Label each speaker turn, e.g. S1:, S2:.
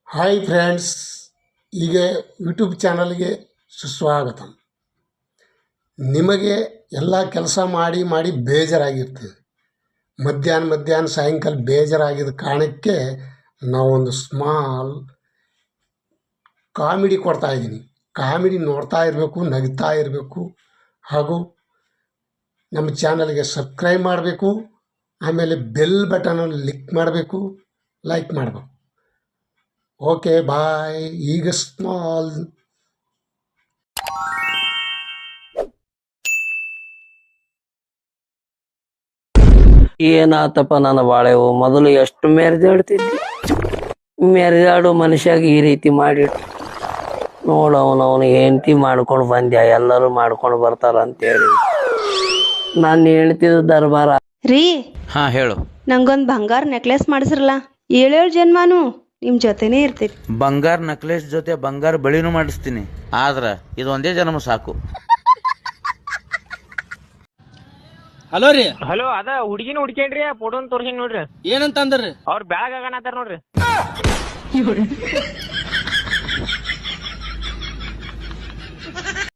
S1: Hi friends, ಈಗ YouTube ಚಾನಲ್ಗೆ ಸುಸ್ವಾಗತ. ನಿಮಗೆ ಎಲ್ಲ ಕೆಲಸ ಮಾಡಿ ಮಾಡಿ ಬೇಜಾರಾಗಿರ್ತದೆ. ಮಧ್ಯಾಹ್ನ ಸಾಯಂಕಾಲ ಬೇಜಾರಾಗಿದ್ದ ಕಾರಣಕ್ಕೆ ನಾವೊಂದು ಸ್ಮಾಲ್ ಕಾಮಿಡಿ ಕೊಡ್ತಾಯಿದ್ದೀನಿ. ಕಾಮಿಡಿ ನೋಡ್ತಾ ಇರಬೇಕು, ನಗ್ತಾ ಇರಬೇಕು, ಹಾಗೂ ನಮ್ಮ ಚಾನಲ್ಗೆ ಸಬ್ಸ್ಕ್ರೈಬ್ ಮಾಡಬೇಕು. ಆಮೇಲೆ ಬೆಲ್ ಬಟನನ್ನು ಕ್ಲಿಕ್ ಮಾಡಬೇಕು, ಲೈಕ್ ಮಾಡಬೇಕು. Okay bye. ಈಗ ಸ್ಮಾಲ್
S2: ಏನಾತಪ್ಪ ನನ್ನ ಬಾಳೆವು ಮೊದಲು ಎಷ್ಟು ಮೆರೆದಾಡ್ತಿದ್ದಿ. ಮೆರೆದಾಡು ಮನುಷ್ಯಾಗ ಈ ರೀತಿ ಮಾಡಿಟ್ಟು ನೋಡು. ಅವನು ಹೆಂಡತಿ ಮಾಡ್ಕೊಂಡು ಬಂದ್ಯಾ, ಎಲ್ಲರೂ ಮಾಡ್ಕೊಂಡು ಬರ್ತಾರ ಅಂತೇಳಿ ನಾನು ಹೇಳ್ತಿದ್ದ ದರ್ಬಾರ
S3: ರೀ.
S4: ಹಾ ಹೇಳು.
S3: ನಂಗೊಂದ್ ಬಂಗಾರ ನೆಕ್ಲೆಸ್ ಮಾಡಿಸ್ರಲ್ಲ. 7 ಜನ್ಮಾನು ನಿಮ್ ಜೊತೆನೇ ಇರ್ತೀರಿ.
S4: ಬಂಗಾರ ನೆಕ್ಲೆಸ್ ಜೊತೆ ಬಂಗಾರ ಬಳಿನೂ ಮಾಡಿಸ್ತೀನಿ, ಆದ್ರ ಇದೊಂದೇ ಜನ್ಮ ಸಾಕು.
S5: ಹಲೋ ರೀ.
S6: ಹಲೋ, ಅದ ಹುಡುಗಿನ ಹುಡ್ಕೇನ್ರಿ, ಫೋಟೋನ್ ತೋರ್ಸಿನ್ ನೋಡ್ರಿ.
S5: ಏನಂತ ಅಂದ್ರಿ?
S6: ಅವ್ರ ಬ್ಯಾಗ್ ಆಗಣತ್ತಾರ ನೋಡ್ರಿ.